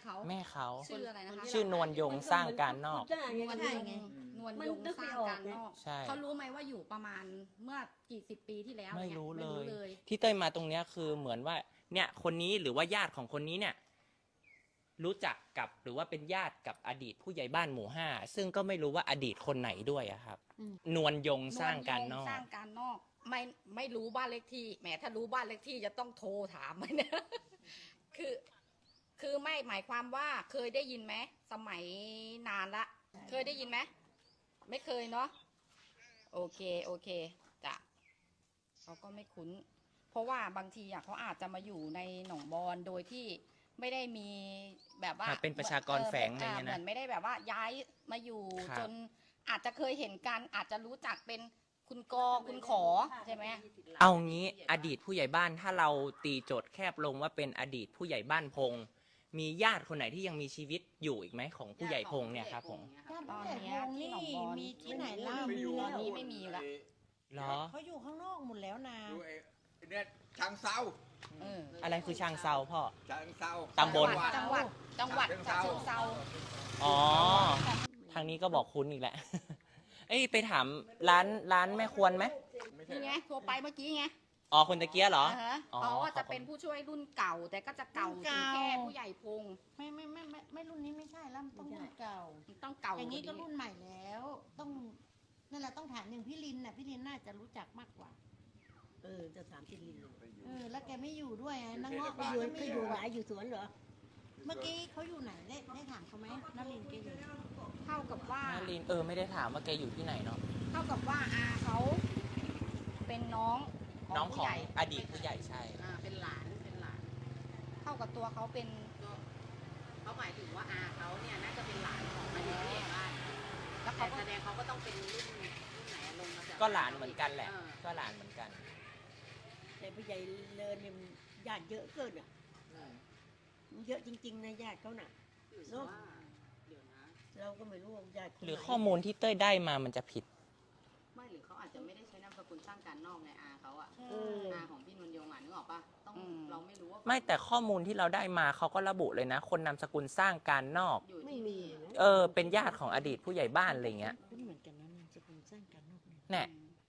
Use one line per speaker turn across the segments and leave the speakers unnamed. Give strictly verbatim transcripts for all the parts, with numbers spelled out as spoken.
เขา
แม่เขา
ชื่ออะไรนะคะ
ชื่อนวลยงสร้างการนอก
นวลยงนวลยงสร้างการนอก
ใช่
เขารู้ไหมว่าอยู่ประมาณเมื่อกี่สิบปีที่แล้ว
ไม่
นี่ย
รู้
ไม่
เล
รู้
ย
เลย
ที่เต้ยมาตรงเนี้ยคือเหมือนว่าเนี่ยคนนี้หรือว่าญาติของคนนี้เนี่ยรู้จักกับหรือว่าเป็นญาติกับอดีตผู้ใหญ่บ้านหมู่ห้าซึ่งก็ไม่รู้ว่าอดีตคนไหนด้วยอะครับนวลยงสร้างการนอก
สร้างการนอกไม่ไม่รู้บ้านเลขที่แหมถ้ารู้บ้านเลขที่จะต้องโทรถามไหมเนี่ย คือคือไม่หมายความว่าเคยได้ยินไหมสมัยนานละเคยได้ยินไหมไม่เคยเนาะโอเคโอเคจ้ะเขาก็ไม่คุ้น เพราะว่าบางทีอ่ะเขาอาจจะมาอยู่ในหนองบอนโดยที่ไม่ได้มีแบบว่า
เป็นประชากรแฝงอะไรเงี้ยนะ
เหมือนไม่ได้แบบว่าย้ายมาอยู่
ครับ
จนอาจจะเคยเห็นกันอาจจะรู้จักเป็นคุณกอคุณขอใช่ไหม
เอางี้อดีตผู้ใหญ่บ้านถ้าเราตีโจทย์แคบลงว่าเป็นอดีตผู้ใหญ่บ้านพงมีญาติคนไหนที่ยังมีชีวิตอยู่อีกไหมของผู้ใหญ่พงเนี่ยครับผม
ตอนเนี้ยที่หนองบอน
มีที่ไหนเล่า
ต
มี
อ
แล้
น
ว
นี้ไม่มีแล้ว
เหรอ
เขาอยู่ข้างนอกหมดแล้วนะ
ดูไอ้ไอ้เนี่ยช้างเซา
เออ
อะไรคือช่างเซาพ่อ
ช้างเซา
ตำบล
จังหวัดจังหวัดจังหวัดฉะเชิงเซา
อ๋อทางนี้ก็บอกคุ้นอีกแล้ว เอ้ยไปถามร้านร้านแม่ควรไหม
ไม่ใช่
นี่ไงโทรไปเมื่อกี้ไง
อ๋อคนตะเกียเหรอ
อ่าฮะ
อ๋อ
เขาว่า
ขอบคุณ
จะเป็นผู้ช่วยรุ่นเก่า แต่ก็จะเก่า
รุ่น
ถึ
เก่า
งแค่ผู้ใหญ่พง
ไม่ไม่ไม่ไม่ไม่รุ่นนี้ไม่ใช่แล้วมันต้องรุ่นเก่า
ต้องเก่า
อย่างนี้ก็
ว่า
รุ่นใหม่แล้ว ต้องนั่นแหละต้องถามอย่างพี่ลินน่ะพี่ลินน่าจะรู้จักมากกว่า
เออจะถามที่ลินเลย
เออแล้วแกไม่อยู่ด้วยไงนางเงาะ
ไป
แก
อยู่
ก็
ไป
ไม่
อ
อยู่ ยู่
ไหนอยู่สวนเหรอ
เมื่อกี้เขาอยู่ไหนได้ได้ถามเขาไหมนลินแกอยู่
เท่ากับว่า
นารินเออไม่ได้ถามว่าแกอยู่ที่ไหนเนาะ
เท่ากับว่าอาเขาเป็นน้อง
น้องข
ผู้
อง
ใหญ่
อดีตผู้ใหญ่ใช่
อ่าเป็นหลานเป็นหลาน เท่ากับตัวเขาเป็น
เขาหมายถึงว่าอาเขาเนี่ยน่าจะเป็นหลานของอดีตผู้ใหญ่บ้าน
แล้ว
แต่
เขาก็
แสดงเขาก็ต้องเป็นรุ่นรุ่นไหนอะลงมาจาก
ก็หลานเหมือนกันแหละ
เออ
ก็หลานเหมือนกัน
แต่ผู้ใหญ่เลินเนี่ยมันญาติเยอะเกินอ่ะมันเยอะจริงๆนะญาติเขาน่ะ
หรือ
เนอะ
ว่าเดี๋ยวนะ
เราก็ไม่รู้ว่าญาติคน
หรือ
ไน
ข้อมูลที่เต้ยได้มามันจะผิด
ไม่หรือเขาอาจจะไม่ได้ใช้นามสกุลสร้างการนอกไงอาเขาอะ
เออ
อาของพี่นวลยงอ่ะนึกออกปะต้องเราไม่รู้ว่า
ไม่แต่ข้อมูลที่เราได้มาเขาก็ระบุเลยนะ คนนามสกุลสร้างการนอก
อยู่
ไม่
ที่
มีนะ
เออเป็นญาติของอดีตผู้ใหญ่บ้านอะไรเงี้ย
คุ้นเหมือนกันนะนามสกุลสร้างการนอกเนี่ย
แน่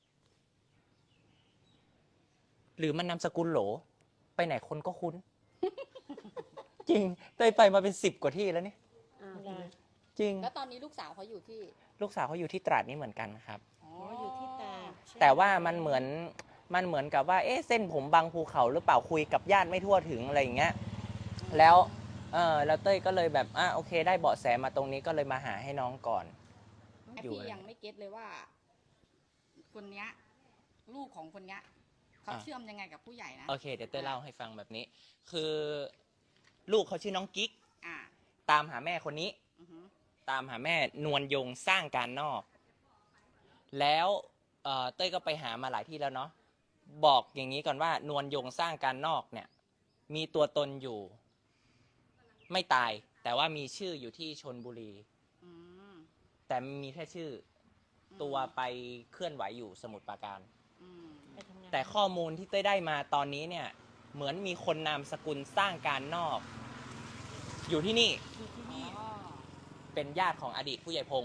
หรือมันนามสกุลโหล ไปไหนคนก็คุ้น จริงเต้ยไปมาเป็นสิบกว่าที่แล้วนี่
อ่า
จริง
แล้วตอนนี้ลูกสาวเขาอยู่ที่
ลูกสาวเขาอยู่ที่ตราดนี่เหมือนกันครับ
อ๋อ
อ๋ออยู่ที่ตาก
แต่ว่ามันเหมือนมันเหมือนกับว่าเอ๊ะเส้นผมบางภูเขาหรือเปล่าคุยกับญาติไม่ทั่วถึงอะไรอย่างเงี้ยแล้วเออแล้วเต้ยก็เลยแบบอ่ะโอเค ได้เบาะแสมาตรงนี้ก็เลยมาหาให้น้องก่อน
ไอ
อยู่
พี่
อะไร
ยังไม่เก็ตเลยว่า คนเนี้ยลูกของคนเนี้ยเขาเชื่อมยังไงกับผู้ใหญ่นะ
โอเคเดี๋ยวเต้ยเล่าให้ฟังแบบนี้ คือลูกเขาชื่อน้องกิ๊ก
อ่า
ตามหาแม่คนนี้
อือฮึ
ตามหาแม่นวลยงสร้างการนอก แล้วเอ่อเต้ยก็ไปหามาหลายที่แล้วเนาะบอกอย่างนี้ก่อนว่านวลยงสร้างการนอกเนี่ย มีตัวตนอยู่ ไม่ตาย แต่ว่ามีชื่ออยู่ที่ชลบุรี
อืม
แต่มีแค่ชื่อตัวไปเคลื่อนไหวอยู่สมุทรปราการ
อืม
ไปทำงาน
แต่ข้อมูลที่เต้ยได้มาตอนนี้เนี่ย เหมือนมีคนนามสกุลสร้างการนอก อยู่ที่นี่
อยู่ที่นี่
อ๋อ
เป็นญาติของอดีตผู้ใหญ่พงษ์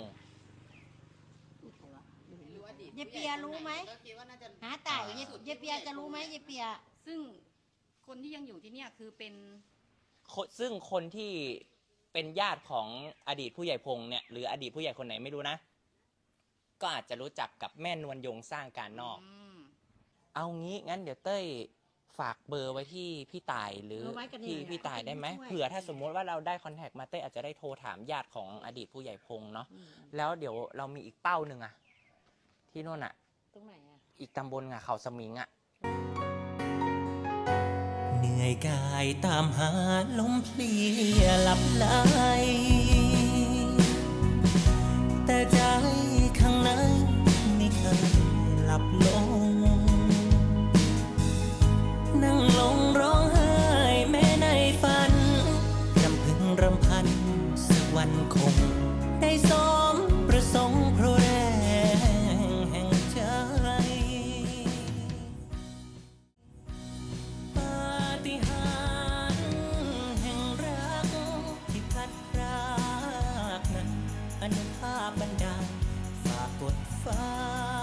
ไม่รู้อดีต
เยเปียรู้ไหม
ก็คิดว่าน่าจะ
หาไต่เยเยเปียจะรู้ไหมเยเปีย
ซึ่งคนที่ยังอยู่ที่เนี่ยคือเป็น
คนซึ่งคนที่เป็นญาติของอดีตผู้ใหญ่พงษ์เนี่ยหรืออดีตผู้ใหญ่คนไหนไม่รู้นะ ก็อาจจะรู้จักกับแม่นวลยงสร้างการนอก
ม
เอางี้งั้นเดี๋ยวเต้ยฝากเบอร์ไว้ที่พี่ต่ายหรือ
เอาไว้กันเนี่ย
พี่พี่ต่ายได้ไหม
ช่วย
เผื่อถ้าสมมุติว่าเราได้คอนแทคมาเต้ยอาจจะได้โทรถามญาติของอดีตผู้ใหญ่พงษ์เนาะ
อืม
แล้วเดี๋ยวเรามีอีกเป้าหนึ่งอะที่นู่นอะ
ตรงไหนอ่ะ
อีกตำบลอะเขาสมิงอะ
เหนื่อยกายตามหาลมเพลียหลับไหลแต่ใจข้างในไม่เคยหลับลง นั่งลงร้องไห้แม้ในฝันรำพึงรำพันสักวันคง ได้สมประสงค์เพราะแรงแห่งใจ ปาฏิหาริย์แห่งรักที่นุภาพบันดาลฝากกดฟ้า